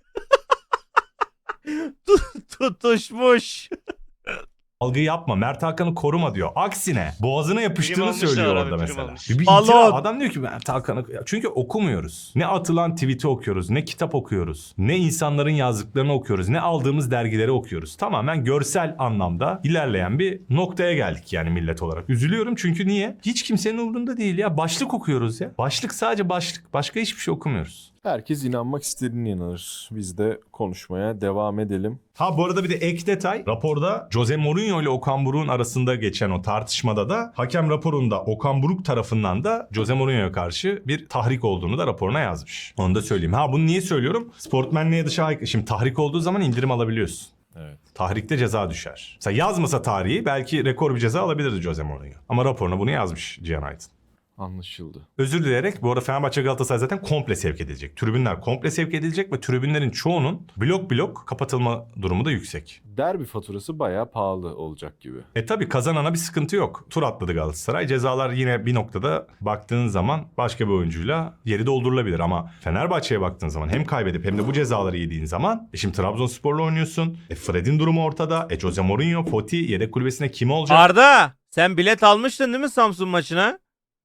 Speaker 1: Tut- Tutuşmuş.
Speaker 2: Algı yapma. Mert Hakan'ı koruma diyor. Aksine boğazına yapıştığını
Speaker 6: almışlar
Speaker 2: söylüyor
Speaker 6: abi,
Speaker 2: orada
Speaker 6: prim
Speaker 2: mesela.
Speaker 6: almış.
Speaker 2: Bir, bir
Speaker 1: Balon.
Speaker 2: itiraf. Adam diyor ki Mert Hakan'ı... Çünkü okumuyoruz. Ne atılan tweet'i okuyoruz. Ne kitap okuyoruz. Ne insanların yazdıklarını okuyoruz. Ne aldığımız dergileri okuyoruz. Tamamen görsel anlamda ilerleyen bir noktaya geldik yani millet olarak. Üzülüyorum çünkü niye? Hiç kimsenin umurunda değil ya. Başlık okuyoruz ya. Başlık sadece başlık. Başka hiçbir şey okumuyoruz.
Speaker 5: Herkes inanmak istediğine inanır. Biz de konuşmaya devam edelim.
Speaker 2: Ha bu arada bir de ek detay. Raporda Jose Mourinho ile Okan Buruk'un arasında geçen o tartışmada da hakem raporunda Okan Buruk tarafından da Jose Mourinho'ya karşı bir tahrik olduğunu da raporuna yazmış. Onu da söyleyeyim. Ha bunu niye söylüyorum? Sportmenliğe dışı aykırı. Şimdi tahrik olduğu zaman indirim alabiliyorsun.
Speaker 5: Evet.
Speaker 2: Tahrikte ceza düşer. Mesela yazmasa tarihi belki rekor bir ceza alabilirdi Jose Mourinho. Ama raporuna bunu yazmış Cihan Aydın.
Speaker 5: Anlaşıldı.
Speaker 2: Özür dileyerek bu arada Fenerbahçe Galatasaray zaten komple sevk edilecek. Tribünler komple sevk edilecek ve tribünlerin çoğunun blok blok kapatılma durumu da yüksek.
Speaker 5: Derbi faturası bayağı pahalı olacak gibi.
Speaker 2: E tabi kazanana bir sıkıntı yok. Tur atladı Galatasaray. Cezalar yine bir noktada baktığın zaman başka bir oyuncuyla yeri doldurulabilir. Ama Fenerbahçe'ye baktığın zaman hem kaybedip hem de bu cezaları yediğin zaman e şimdi Trabzonspor'la oynuyorsun. E Fred'in durumu ortada. E Jose Mourinho, Foti yedek kulübesine kim olacak?
Speaker 1: Arda, sen bilet almıştın değil mi Samsun maçına?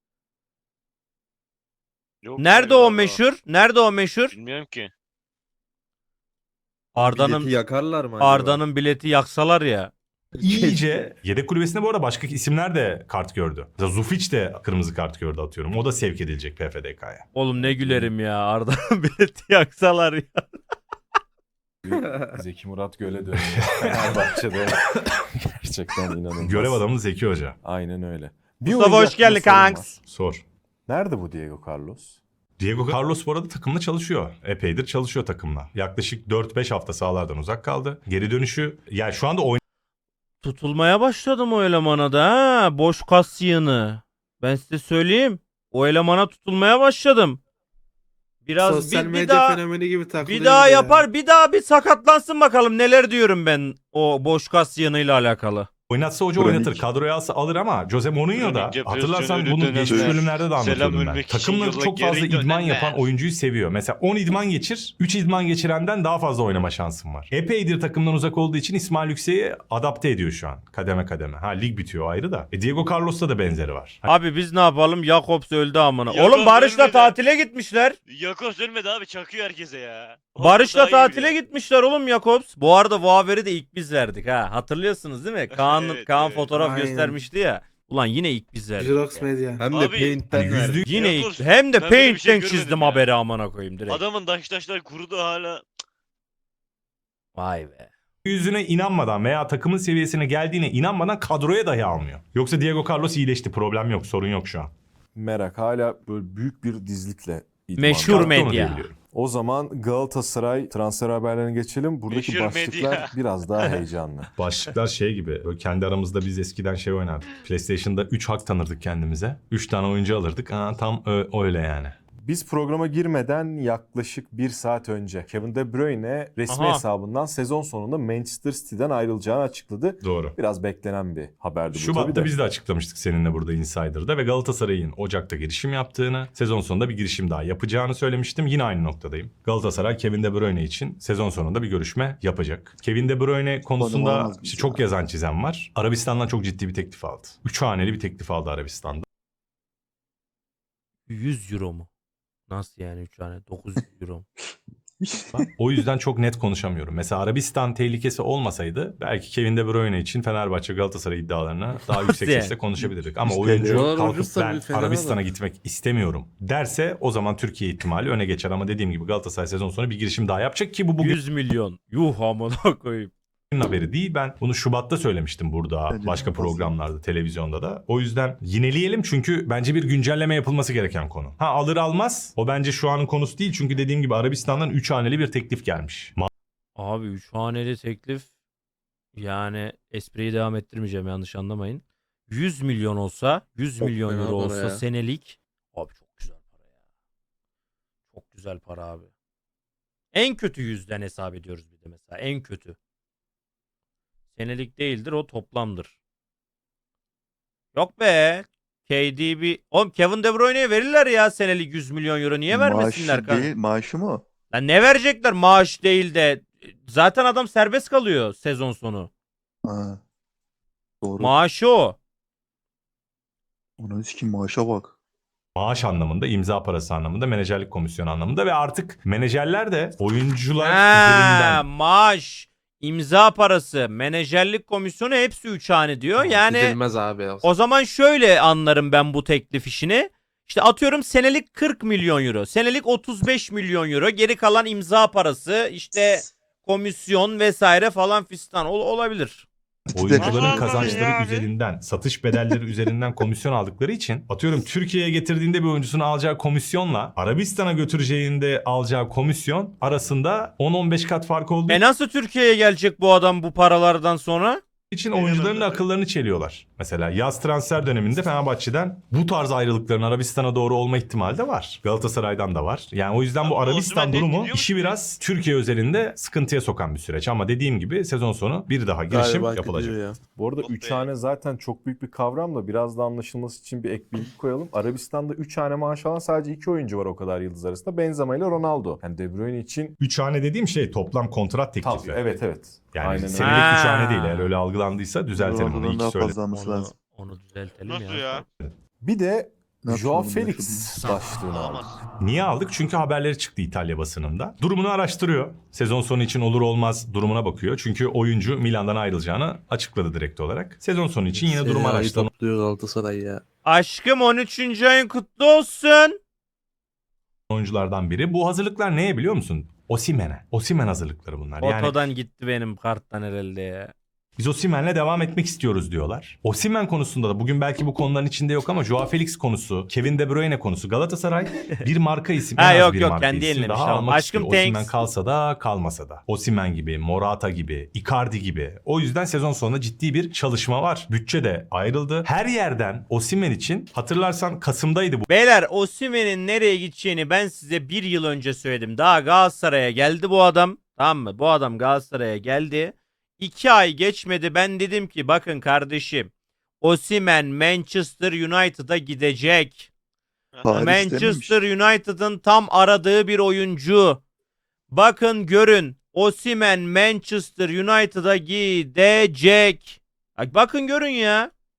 Speaker 6: Yok
Speaker 1: Nerede
Speaker 6: galiba.
Speaker 1: o meşhur? Nerede o meşhur?
Speaker 6: Bilmiyorum ki.
Speaker 1: Arda'nın
Speaker 3: Bileti yakarlar mı acaba?
Speaker 1: Arda'nın bileti yaksalar ya.
Speaker 2: İyice yedek kulübesinde bu arada başka isimler de kart gördü. Mesela Zufic de kırmızı kart gördü atıyorum. O da sevk edilecek P F D K'ya.
Speaker 1: Oğlum ne gülerim ya, Arda'nın bileti yaksalar ya.
Speaker 5: Zeki Murat Göl'e dönüyor. Fenerbahçe'de gerçekten inanılmaz.
Speaker 2: Görev adamı Zeki Hoca.
Speaker 5: Aynen öyle. Bir
Speaker 1: Mustafa
Speaker 5: oyuncu
Speaker 1: hoş geldin
Speaker 5: hakkında sorum
Speaker 1: kanks.
Speaker 5: var.
Speaker 2: Sor.
Speaker 5: Nerede bu Diego Carlos?
Speaker 2: Diego Carlos bu arada takımla çalışıyor. Epeydir çalışıyor takımla. Yaklaşık dört beş hafta sahalardan uzak kaldı. Geri dönüşü yani şu anda
Speaker 1: Tutulmaya başladım o elemana da ha. Boş kas yığını. Ben size söyleyeyim. O elemana tutulmaya başladım. Biraz
Speaker 9: Sosyal
Speaker 1: bir, bir
Speaker 9: medya
Speaker 1: daha
Speaker 9: fenomeni gibi takılıyor.
Speaker 1: bir daha
Speaker 9: bir de ya.
Speaker 1: yapar, bir daha bir sakatlansın bakalım neler diyorum ben o boş kas yığınıyla alakalı.
Speaker 2: oynatsa hoca
Speaker 3: Kronik.
Speaker 2: oynatır. Kadroya alsa alır ama Jose Mourinho da
Speaker 6: Kronik yapıyorsun,
Speaker 2: hatırlarsan
Speaker 6: ölü
Speaker 2: bunu
Speaker 6: dönemler.
Speaker 2: geçmiş bölümlerde de anlatıyordum
Speaker 6: Selam
Speaker 2: ben.
Speaker 6: ölmek için
Speaker 2: Takımla
Speaker 6: yola
Speaker 2: çok fazla
Speaker 6: geri
Speaker 2: idman
Speaker 6: dönenler.
Speaker 2: yapan oyuncuyu seviyor. Mesela on idman geçir, üç idman geçirenden daha fazla oynama şansın var. Epeydir takımdan uzak olduğu için İsmail Yüksek'i adapte ediyor şu an. Kademe kademe. Ha lig bitiyor ayrı da. E, Diego Carlos'ta da benzeri var.
Speaker 1: Abi biz ne yapalım? Jakobs öldü amına.
Speaker 6: Jakobs
Speaker 1: Oğlum Barış'la
Speaker 6: ölmedi.
Speaker 1: tatile gitmişler.
Speaker 6: Yakos ölmedi abi, çakıyor herkese ya. O
Speaker 1: Barış'la
Speaker 6: daha iyi
Speaker 1: tatile
Speaker 6: biliyor.
Speaker 1: gitmişler oğlum Jakobs. Bu arada bu haberi de ilk biz verdik ha. Hatırlıyorsunuz değil mi? Kaan Kaan,
Speaker 6: Evet,
Speaker 1: Kaan
Speaker 6: evet.
Speaker 1: fotoğraf
Speaker 10: Aynen.
Speaker 1: göstermişti ya. Ulan yine ilk biz verdik.
Speaker 10: Jirox
Speaker 1: ya.
Speaker 10: Media.
Speaker 3: Hem de
Speaker 6: Abi,
Speaker 3: Paint'ten
Speaker 2: hani
Speaker 3: verdi.
Speaker 2: yüzlük
Speaker 1: Yine
Speaker 6: Ya
Speaker 1: ilk
Speaker 6: dur,
Speaker 1: hem de
Speaker 6: ben böyle bir şey
Speaker 1: Paint'ten
Speaker 6: görmedim
Speaker 1: çizdim
Speaker 6: ya.
Speaker 1: haberi amına koyayım direkt.
Speaker 6: Adamın daş taşlar kurudu hala.
Speaker 1: Vay be.
Speaker 2: yüzüne inanmadan veya takımın seviyesine geldiğine inanmadan kadroya dahi almıyor. Yoksa Diego Carlos iyileşti. Problem yok. Sorun yok şu an.
Speaker 5: Merak hala böyle büyük bir dizlikle idman.
Speaker 1: Meşhur
Speaker 2: Çıkarttı onu
Speaker 1: medya.
Speaker 2: diyebiliyorum.
Speaker 5: O zaman Galatasaray transfer haberlerine geçelim. Buradaki
Speaker 6: Meşhur
Speaker 5: başlıklar
Speaker 6: medya.
Speaker 5: biraz daha heyecanlı.
Speaker 2: Başlıklar şey gibi. Böyle kendi aramızda biz eskiden şey oynardık. PlayStation'da üç hak tanırdık kendimize. üç tane oyuncu alırdık. Aa, tam ö- öyle yani.
Speaker 5: Biz programa girmeden yaklaşık bir saat önce Kevin De Bruyne resmi
Speaker 1: Aha.
Speaker 5: hesabından sezon sonunda Manchester City'den ayrılacağını açıkladı.
Speaker 2: Doğru.
Speaker 5: Biraz beklenen bir haberdi bu tabii
Speaker 2: Şubat'ta
Speaker 5: de.
Speaker 2: biz de açıklamıştık seninle burada Insider'da ve Galatasaray'ın Ocak'ta girişim yaptığını, sezon sonunda bir girişim daha yapacağını söylemiştim. Yine aynı noktadayım. Galatasaray Kevin De Bruyne için sezon sonunda bir görüşme yapacak. Kevin De Bruyne konusunda
Speaker 3: olamaz
Speaker 2: işte
Speaker 3: biz
Speaker 2: çok
Speaker 3: ya.
Speaker 2: yazan çizen var. Arabistan'dan çok ciddi bir teklif aldı. Üç haneli bir teklif aldı Arabistan'da.
Speaker 1: yüz euro mu? Nasıl yani üç tane? dokuz yüz euro mu?
Speaker 2: O yüzden çok net konuşamıyorum. Mesela Arabistan tehlikesi olmasaydı belki Kevin De Bruyne için Fenerbahçe Galatasaray iddialarına daha yüksek
Speaker 1: yani?
Speaker 2: sesle konuşabilirdik. Ama
Speaker 3: İşte
Speaker 2: oyuncu
Speaker 3: diyorlar,
Speaker 2: kalkıp
Speaker 3: ucuzsa
Speaker 2: ben
Speaker 3: bir Fener'e
Speaker 2: Arabistan'a
Speaker 3: bak.
Speaker 2: gitmek istemiyorum derse o zaman Türkiye ihtimali öne geçer. Ama dediğim gibi Galatasaray sezon sonu bir girişim daha yapacak ki bu bugün
Speaker 1: yüz milyon. Yuh amına koyayım.
Speaker 2: haberi değil. Ben bunu Şubat'ta söylemiştim burada
Speaker 3: Bence
Speaker 2: başka
Speaker 3: de fazla.
Speaker 2: programlarda, televizyonda da. O yüzden yineleyelim çünkü bence bir güncelleme yapılması gereken konu. Ha alır almaz o bence şu anın konusu değil. Çünkü dediğim gibi Arabistan'dan üç haneli bir teklif gelmiş.
Speaker 1: Abi üç haneli teklif, yani espriyi devam ettirmeyeceğim, yanlış anlamayın. yüz milyon olsa, yüz
Speaker 3: Çok
Speaker 1: milyon
Speaker 3: fena
Speaker 1: euro
Speaker 3: para
Speaker 1: olsa
Speaker 3: ya.
Speaker 1: senelik. Abi çok güzel para ya. Çok güzel para abi. En kötü yüzden hesap ediyoruz bir de mesela. En kötü. Senelik değildir, o toplamdır. Yok be. K D B. Oğlum Kevin De Bruyne'ye verirler ya senelik yüz milyon euro. Niye vermesinler
Speaker 3: Maaşı
Speaker 1: kanka?
Speaker 3: değil, maaşı mı?
Speaker 1: Lan ne verecekler maaş değil de. Zaten adam serbest kalıyor sezon sonu.
Speaker 3: Ha. Doğru.
Speaker 1: Maaşı o.
Speaker 3: Onun için maaşa bak.
Speaker 2: Maaş anlamında, imza parası anlamında, menajerlik komisyonu anlamında ve artık menajerler de oyuncular
Speaker 1: Ha,
Speaker 2: üzerinden
Speaker 1: maaş, imza parası, menajerlik komisyonu hepsi üç hane diyor. Yani
Speaker 10: Gidilmez abi.
Speaker 1: o zaman şöyle anlarım ben bu teklif işini. İşte atıyorum senelik kırk milyon euro, senelik otuz beş milyon euro, geri kalan imza parası, işte komisyon vesaire falan fistan ol- olabilir.
Speaker 2: oyuncuların
Speaker 6: Allah Allah
Speaker 2: kazançları
Speaker 6: ya abi.
Speaker 2: üzerinden, satış bedelleri üzerinden komisyon aldıkları için atıyorum Türkiye'ye getirdiğinde bir oyuncusunu alacağı komisyonla Arabistan'a götüreceğinde alacağı komisyon arasında on on beş kat fark olduğu
Speaker 1: E nasıl Türkiye'ye gelecek bu adam bu paralardan sonra?
Speaker 2: için
Speaker 6: Aynen
Speaker 2: oyuncuların
Speaker 6: öyle.
Speaker 2: akıllarını çeliyorlar. Mesela yaz transfer döneminde Fenerbahçe'den bu tarz ayrılıkların Arabistan'a doğru olma ihtimali de var. Galatasaray'dan da var. Yani o yüzden bu
Speaker 6: Ama
Speaker 2: Arabistan
Speaker 6: Osimhen de
Speaker 2: durumu
Speaker 6: gidiyor
Speaker 2: işi
Speaker 6: mu?
Speaker 2: biraz Türkiye özelinde sıkıntıya sokan bir süreç. Ama dediğim gibi sezon sonu bir daha girişim
Speaker 3: Galiba
Speaker 2: yapılacak.
Speaker 3: gidiyor ya.
Speaker 5: Bu arada
Speaker 6: Oh
Speaker 5: üç
Speaker 6: be.
Speaker 5: hane zaten çok büyük bir kavram da biraz da anlaşılması için bir ek bilgi koyalım. Arabistan'da üç hane maaş alan sadece iki oyuncu var o kadar yıldız arasında. Benzema ile Ronaldo. Yani De Bruyne için
Speaker 2: Üç hane dediğim şey toplam kontrat teklifi.
Speaker 5: tabii evet evet.
Speaker 2: Yani
Speaker 5: Aynen öyle.
Speaker 2: senelik
Speaker 1: Ha.
Speaker 2: üç hane değil. Eğer öyle algılandıysa düzeltelim onu.
Speaker 3: Ronaldo'dan
Speaker 2: İyi
Speaker 3: daha
Speaker 2: ki söyledim.
Speaker 3: fazla alması
Speaker 1: Onu,
Speaker 3: lazım.
Speaker 1: onu düzeltelim
Speaker 6: Nasıl
Speaker 1: ya.
Speaker 6: ya?
Speaker 5: Bir de
Speaker 3: Ne
Speaker 5: Joao
Speaker 3: yapalım,
Speaker 5: Felix
Speaker 3: yaşadığımız-
Speaker 5: başlığını aldık.
Speaker 6: Olamaz.
Speaker 2: Niye aldık? Çünkü haberleri çıktı İtalya basınında. Durumunu araştırıyor. Sezon sonu için olur olmaz durumuna bakıyor. Çünkü oyuncu Milan'dan ayrılacağını açıkladı direkt olarak. Sezon sonu için yine durum
Speaker 3: Senaryoyu
Speaker 2: araştırma
Speaker 3: topluyor Galatasaray ya.
Speaker 1: Aşkım on üçüncü ayın kutlu olsun.
Speaker 2: oyunculardan biri. Bu hazırlıklar neye biliyor musun? Osimhen'e. Osimhen hazırlıkları bunlar. Yani
Speaker 1: Otodan gitti benim karttan herhalde ya.
Speaker 2: biz Osimhen'le devam etmek istiyoruz diyorlar. Osimhen konusunda da bugün belki bu konuların içinde yok ama Joao Felix konusu, Kevin De Bruyne konusu, Galatasaray bir marka isim.
Speaker 1: Ha,
Speaker 2: en az
Speaker 1: yok,
Speaker 2: bir
Speaker 1: yok,
Speaker 2: marka
Speaker 1: kendi
Speaker 2: isim
Speaker 1: yenilemiş,
Speaker 2: daha
Speaker 1: tamam.
Speaker 2: almak
Speaker 1: Aşkım,
Speaker 2: istiyor. Osimhen
Speaker 1: thanks.
Speaker 2: kalsa da kalmasa da. Osimhen gibi, Morata gibi, Icardi gibi. O yüzden sezon sonunda ciddi bir çalışma var. Bütçe de ayrıldı. Her yerden Osimhen için hatırlarsan Kasım'daydı bu.
Speaker 1: Beyler Osimhen'in nereye gideceğini ben size bir yıl önce söyledim. Daha Galatasaray'a geldi bu adam. Tamam mı? Bu adam Galatasaray'a geldi. İki ay geçmedi, ben dedim ki bakın kardeşim, Osimhen Manchester United'a gidecek.
Speaker 3: Paris
Speaker 1: Manchester United'ın tam aradığı bir oyuncu. Bakın görün, Osimhen Manchester United'a gidecek. Bak, bakın görün ya.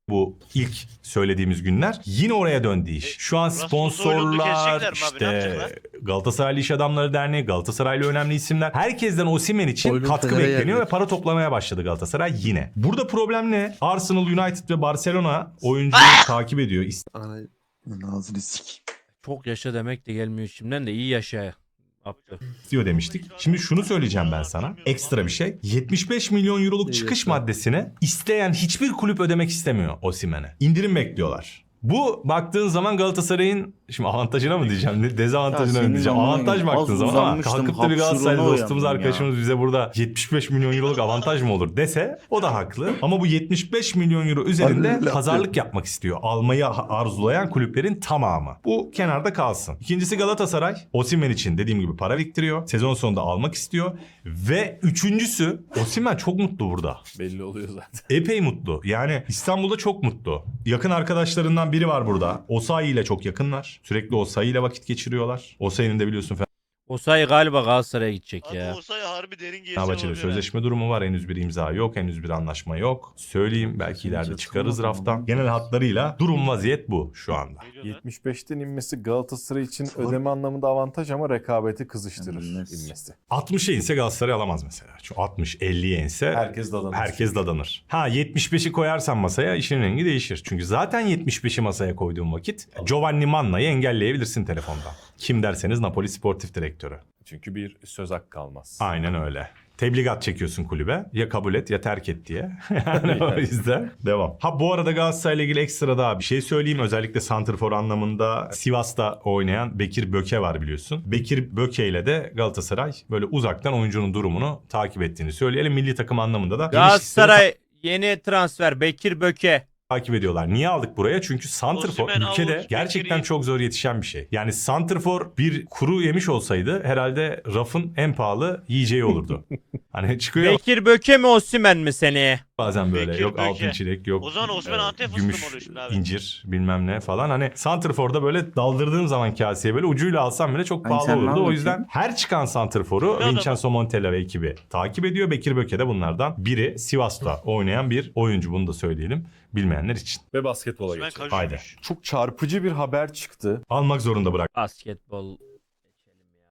Speaker 2: bu ilk söylediğimiz günler. Yine oraya döndü iş. Şu an
Speaker 6: Rasmus Hoylund'u
Speaker 2: sponsorlar,
Speaker 6: kesecekler mi abi? Ne
Speaker 2: işte
Speaker 6: yapacaklar?
Speaker 2: Galatasaraylı İş Adamları Derneği, Galatasaraylı önemli isimler. Herkesten Osimhen için
Speaker 3: Hoylund
Speaker 2: katkı
Speaker 3: Fener'e
Speaker 2: bekleniyor
Speaker 3: geldi.
Speaker 2: ve para toplamaya başladı Galatasaray yine. Burada problem ne? Arsenal, United ve Barcelona oyuncuyu takip ediyor.
Speaker 3: Ay, ağzını sik.
Speaker 1: Çok yaşa demek de gelmiyor şimdiden de iyi yaşa. Yaptı.
Speaker 2: İstiyor demiştik. Şimdi şunu söyleyeceğim ben sana. Ekstra bir şey. yetmiş beş milyon euroluk çıkış maddesini isteyen hiçbir kulüp ödemek istemiyor Osimhen'e. İndirim bekliyorlar. Bu baktığın zaman Galatasaray'ın şimdi avantajına mı diyeceğim, ne- dezavantajına
Speaker 7: Ya
Speaker 2: mı
Speaker 7: senin
Speaker 2: diyeceğim.
Speaker 7: amına
Speaker 2: Avantaj
Speaker 7: koyayım.
Speaker 2: baktığın
Speaker 7: Az
Speaker 2: zaman ama
Speaker 7: uzanmıştım,
Speaker 2: kalkıp da bir Galatasaraylı
Speaker 7: hapşuruna
Speaker 2: dostumuz,
Speaker 7: uyandım
Speaker 2: arkadaşımız bize burada yetmiş beş milyon euroluk avantaj mı olur dese o da haklı. Ama bu yetmiş beş milyon euro üzerinde
Speaker 3: Harbiden
Speaker 2: pazarlık
Speaker 3: yapıyor.
Speaker 2: yapmak istiyor. Almayı arzulayan kulüplerin tamamı. Bu kenarda kalsın. İkincisi Galatasaray Osimhen için dediğim gibi para biriktiriyor. Sezon sonunda almak istiyor. Ve üçüncüsü Osimhen çok mutlu burada.
Speaker 5: Belli oluyor zaten.
Speaker 2: Epey mutlu. Yani İstanbul'da çok mutlu. Yakın arkadaşlarından biri var burada. Osayi ile çok yakınlar. Sürekli Osayi ile vakit geçiriyorlar. Osayi'nin de biliyorsun
Speaker 1: Osayi galiba Galatasaray'a gidecek
Speaker 6: Abi
Speaker 1: ya.
Speaker 6: olsa harbi derin gelişim
Speaker 2: Fenerbahçe'de
Speaker 6: olabilir.
Speaker 2: sözleşme durumu var. Henüz bir imza yok. Henüz bir anlaşma yok. Söyleyeyim belki ileride
Speaker 3: Çok
Speaker 2: çıkarız
Speaker 3: sıkılmadım
Speaker 2: raftan.
Speaker 3: ama.
Speaker 2: Genel hatlarıyla durum vaziyet bu şu anda.
Speaker 6: Ne diyorsun lan?
Speaker 5: yetmiş beşten inmesi Galatasaray için
Speaker 3: Sor.
Speaker 5: ödeme anlamında avantaj ama rekabeti kızıştırır
Speaker 3: Bilmez.
Speaker 5: inmesi.
Speaker 2: altmışa inse Galatasaray alamaz mesela. Şu altmış elliye inse
Speaker 5: Herkes dadanır.
Speaker 2: herkes dadanır. Ha yetmiş beşi koyarsan masaya işin rengi değişir. Çünkü zaten yetmiş beşi masaya koyduğun vakit Giovanni Manna'yı engelleyebilirsin telefondan. Kim derseniz Napoli Sportif Direktörü.
Speaker 5: Çünkü bir söz hakkı kalmaz.
Speaker 2: Aynen öyle. Tebligat çekiyorsun kulübe. Ya kabul et ya terk et diye. Yani o yüzden devam. Ha bu arada Galatasaray'la ilgili ekstra daha bir şey söyleyeyim. Özellikle santrfor anlamında Sivas'ta oynayan Bekir Böke var biliyorsun. Bekir Böke ile de Galatasaray böyle uzaktan oyuncunun durumunu takip ettiğini söyleyelim. Milli takım anlamında da geniş listede
Speaker 1: Galatasaray yeni transfer Bekir Böke.
Speaker 2: takip ediyorlar. Niye aldık buraya? Çünkü santrfor
Speaker 6: Osimhen,
Speaker 2: ülkede
Speaker 6: Avuç,
Speaker 2: gerçekten
Speaker 6: Bekir'i-
Speaker 2: çok zor yetişen bir şey. Yani santrfor bir kuru yemiş olsaydı herhalde rafın en pahalı yiyeceği olurdu. Hani çıkıyor
Speaker 1: Bekir Böke mi Osimhen mi seneye?
Speaker 2: bazen böyle
Speaker 6: Bekir
Speaker 2: yok
Speaker 6: Böke.
Speaker 2: altın çilek yok.
Speaker 6: O zaman Osimhen
Speaker 2: e,
Speaker 6: Antep fıstığı
Speaker 2: gümüş,
Speaker 6: mı oluyor şimdi abi?
Speaker 2: incir bilmem ne falan. Hani santrforda böyle daldırdığın zaman kaseye böyle ucuyla alsam bile çok
Speaker 7: Ay
Speaker 2: pahalı
Speaker 7: sen ne
Speaker 2: olurdu. O
Speaker 7: anlatıyorsun?
Speaker 2: yüzden her çıkan santrforu
Speaker 6: Ne adamı?
Speaker 2: Vincenzo Montella ve ekibi takip ediyor. Bekir Böke de bunlardan biri. Sivas'ta oynayan bir oyuncu, bunu da söyleyelim bilmeyenler için.
Speaker 5: Ve basketbola
Speaker 6: Osimhen
Speaker 5: geçelim.
Speaker 6: kajuymuş.
Speaker 2: Haydi.
Speaker 5: Çok çarpıcı bir haber çıktı.
Speaker 2: Almak zorunda bırak.
Speaker 1: Basketbol